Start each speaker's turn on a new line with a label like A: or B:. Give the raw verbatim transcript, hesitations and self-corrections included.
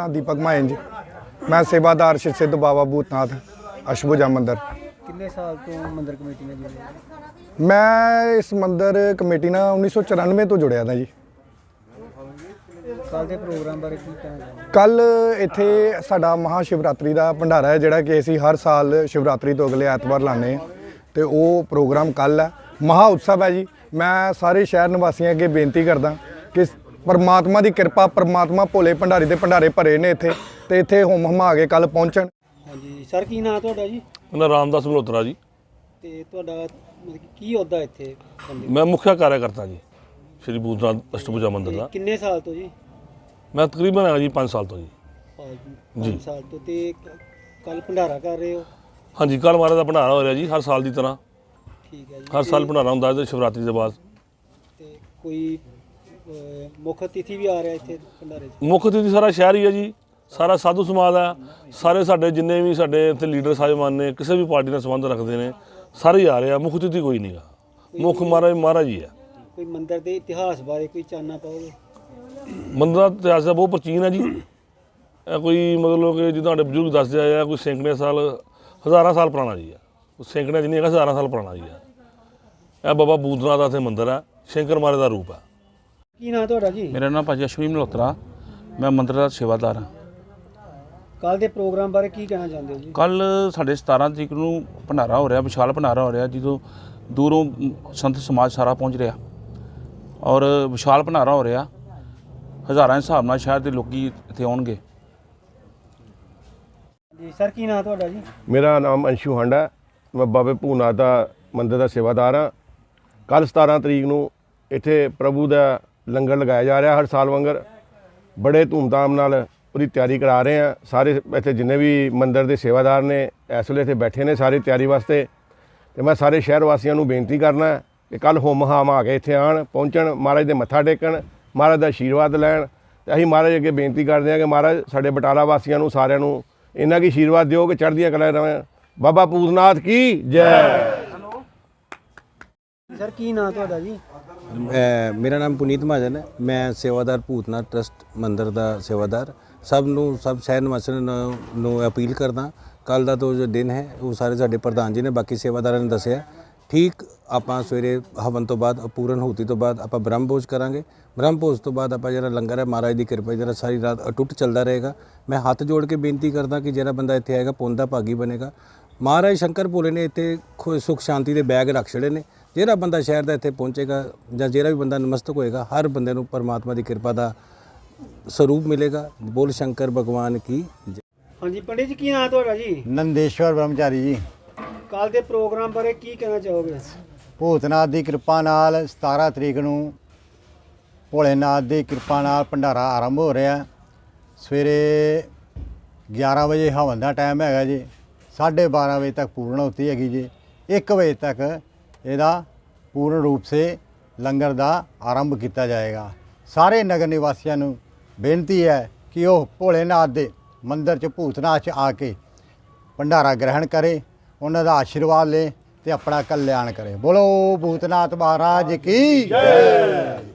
A: दीपक मायन जी। मैं सेवादार श्री सिद्ध बाबा भूतनाथ अष्टभुजा मंदिर।
B: कितने साल तो मंदिर कमेटी में जुड़े?
A: मैं इस मंदिर कमेटी ਨਾਲ उन्नीस सौ चौरानवे ਤੋਂ ਜੁੜਿਆ था जी।
B: ਕੱਲ ਦੇ ਪ੍ਰੋਗਰਾਮ ਬਾਰੇ ਕੀ ਕਹਿਣਾ ਚਾਹੁੰਦੇ?
A: ਕੱਲ ਇੱਥੇ ਸਾਡਾ ਮਹਾ ਸ਼ਿਵਰਾਤਰੀ ਦਾ ਭੰਡਾਰਾ ਹੈ ਜਿਹੜਾ ਕਿ ਅਸੀਂ ਹਰ ਸਾਲ ਸ਼ਿਵਰਾਤਰੀ ਤੋਂ ਅਗਲੇ ਐਤਵਾਰ ਲਾਉਂਦੇ ਹਾਂ ਤੇ ਉਹ ਪ੍ਰੋਗਰਾਮ ਕੱਲ ਹੈ। ਮਹਾ ਉਤਸਵ ਹੈ ਜੀ। ਮੈਂ ਸਾਰੇ ਸ਼ਹਿਰ ਨਿਵਾਸੀਆਂ ਅੱਗੇ ਬੇਨਤੀ ਕਰਦਾ ਕਿ परमात्मा की कृपा परमात्मा भोले भंडारी के भंडारे भरे ने इत्थे ते इत्थे होम हमा के कल पहुँचण।
B: हाँ जी सर की नाम तुहाडा जी?
C: मेरा रामदास मल्होत्रा जी।
B: ते तुहाडा मतलब की ओहदा इत्थे?
C: मैं मुख्य कार्यकर्ता जी श्री भूतनाथ अष्टभुजा मंदिर का।
B: किन्ने साल तो जी?
C: मैं तकरीबन है जी पाँच साल तो जी।
B: पाँच साल तो ते कल भंडारा कर रहे हो?
C: हाँ जी कल महाराज का भंडारा हो रहा जी हर साल की तरह।
B: ठीक है जी।
C: हर साल भंडारा होंदा है शिवरात्रि के बाद।
B: ते कोई मुख अतिथि भी आ रहा है इत्थे भंडारे च?
C: मुख अतिथि सारा शहर ही है जी। सारा साधु समाज है। सारे साडे जिन्ने भी साडे इत्थे लीडर साहिबान ने किसी भी पार्टी ने संबंध रखते हैं सारे ही आ रहे हैं। मुख अतिथि कोई नहीं गा। मुख महाराज महाराज ही है।
B: कोई मंदिर के इतिहास बारे कोई जानना पाओगे?
C: मंदिर का इतिहास बहुत प्राचीन है जी। कोई मतलब कि जो तुहाडे बजुर्ग दस जाए कोई सैकड़े साल हज़ारां साल पुराना जी है। सैकड़े नहीं है हज़ारां साल पुराना जी है। यह बाबा भूतनाथ का इत्थे मंदिर है। शंकर महाराज का रूप है।
B: की नाम तुहाडा जी?
D: मेरा नाम भाजी अश्विनी मल्होत्रा। मैं मंदिर का सेवादार हाँ।
B: कल के प्रोग्राम बारे की कहना चाहते हो जी?
D: कल साढ़े सतारह तरीक नूं भंडारा हो रहा विशाल भंडारा हो रहा जो दूरों संत समाज सारा पहुँच रहा और विशाल भंडारा हो रहा हज़ारां के हिसाब नाल शहर के लोग इत्थे आउणगे।
B: जी सर की नाम तुहाडा जी?
E: मेरा नाम अंशु हांडा। मैं बाबे भूतनाथ का मंदिर का सेवादार हाँ। कल सतारह तरीक नूं इत्थे प्रभु का लंगर लगाया जा रहा हर साल वांगर बड़े धूमधाम नाल पूरी तैयारी करा रहे हैं। सारे इत्थे जिन्ने भी मंदिर के सेवादार ने इस वेले इत्थे बैठे ने सारी तैयारी वास्ते। तो मैं सारे शहर वासियों को बेनती करना कि कल होम हाम आ के इत्थे आण पहुँचण महाराज दे मत्था टेकण महाराज का आशीर्वाद लैण। तो असीं महाराज अगे बेनती करते हैं कि महाराज साडे बटाला वासियों सारिਆਂ ਨੂੰ इन्ना की आशीर्वाद दिओ कि चढ़दियां कला रहें। बाबा भूतनाथ की जय।
B: सर की नाम तुहाडा जी?
F: मेरा नाम पुनीत महाजन है। मैं सेवादार भूतनाथ ट्रस्ट मंदिर का सेवादार। सब नू सब शहर निवासियों नू अपील करदा कल का तो जो दिन है वो सारे साडे प्रधान जी ने बाकी सेवादारों ने दसिया ठीक आपां सवेरे हवन तो बाद पूਰਨ होती तो बाद आपां ब्रह्म भोज करांगे। ब्रह्म भोज तो बाद आपां जिहड़ा लंगर है महाराज की कृपा जिहड़ा सारी रात अटुट चलता रहेगा। मैं हाथ जोड़ के बेनती करदा कि जिहड़ा बंदा इत्थे आएगा पुण्य दा भागी बनेगा। महाराज शंकर भोले ने इत्थे सुख शांति के बैग रख छड़े ने। ਜਿਹੜਾ ਬੰਦਾ ਸ਼ਹਿਰ ਦਾ ਇੱਥੇ ਪਹੁੰਚੇਗਾ ਜਾਂ ਜਿਹੜਾ ਵੀ ਬੰਦਾ ਨਮਸਤਕ ਹੋਏਗਾ ਹਰ ਬੰਦੇ ਨੂੰ ਪਰਮਾਤਮਾ ਦੀ ਕਿਰਪਾ ਦਾ ਸਰੂਪ ਮਿਲੇਗਾ। ਬੋਲ ਸ਼ੰਕਰ ਭਗਵਾਨ ਕੀ ਜੈ।
B: ਹਾਂਜੀ ਪੰਡਿਤ ਜੀ ਕੀ ਨਾਮ ਤੁਹਾਡਾ ਜੀ?
G: नंदेश्वर ब्रह्मचारी जी।
B: ਕੱਲ ਦੇ ਪ੍ਰੋਗਰਾਮ ਬਾਰੇ ਕੀ ਕਹਿਣਾ ਚਾਹੋਗੇ?
G: ਭੂਤਨਾਥ ਦੀ ਕਿਰਪਾ ਨਾਲ ਸਤਾਰ੍ਹਾਂ ਤਰੀਕ ਨੂੰ ਭੋਲੇਨਾਥ ਦੀ ਕਿਰਪਾ ਨਾਲ ਭੰਡਾਰਾ ਆਰੰਭ ਹੋ ਰਿਹਾ। ਸਵੇਰੇ ਗਿਆਰਾਂ ਵਜੇ ਹਵਨ ਦਾ ਟਾਈਮ ਹੈਗਾ ਜੀ। ਸਾਢੇ ਬਾਰਾਂ ਵਜੇ ਤੱਕ ਪੂਰਨ ਹੋਤੀ ਹੈਗੀ ਜੀ। ਇੱਕ ਵਜੇ ਤੱਕ ਇਹਦਾ ਪੂਰਨ ਰੂਪ ਸੇ ਲੰਗਰ ਦਾ ਆਰੰਭ ਕੀਤਾ ਜਾਏਗਾ। ਸਾਰੇ ਨਗਰ ਨਿਵਾਸੀਆਂ ਨੂੰ ਬੇਨਤੀ ਹੈ ਕਿ ਉਹ ਭੋਲੇਨਾਥ ਦੇ ਮੰਦਰ 'ਚ ਭੂਤਨਾਥ 'ਚ ਆ ਕੇ ਭੰਡਾਰਾ ਗ੍ਰਹਿਣ ਕਰੇ ਉਹਨਾਂ ਦਾ ਆਸ਼ੀਰਵਾਦ ਲੈ ਤੇ ਆਪਣਾ ਕਲਿਆਣ ਕਰੇ। ਬੋਲੋ ਭੂਤਨਾਥ ਮਹਾਰਾਜ ਕੀ ਜੈ।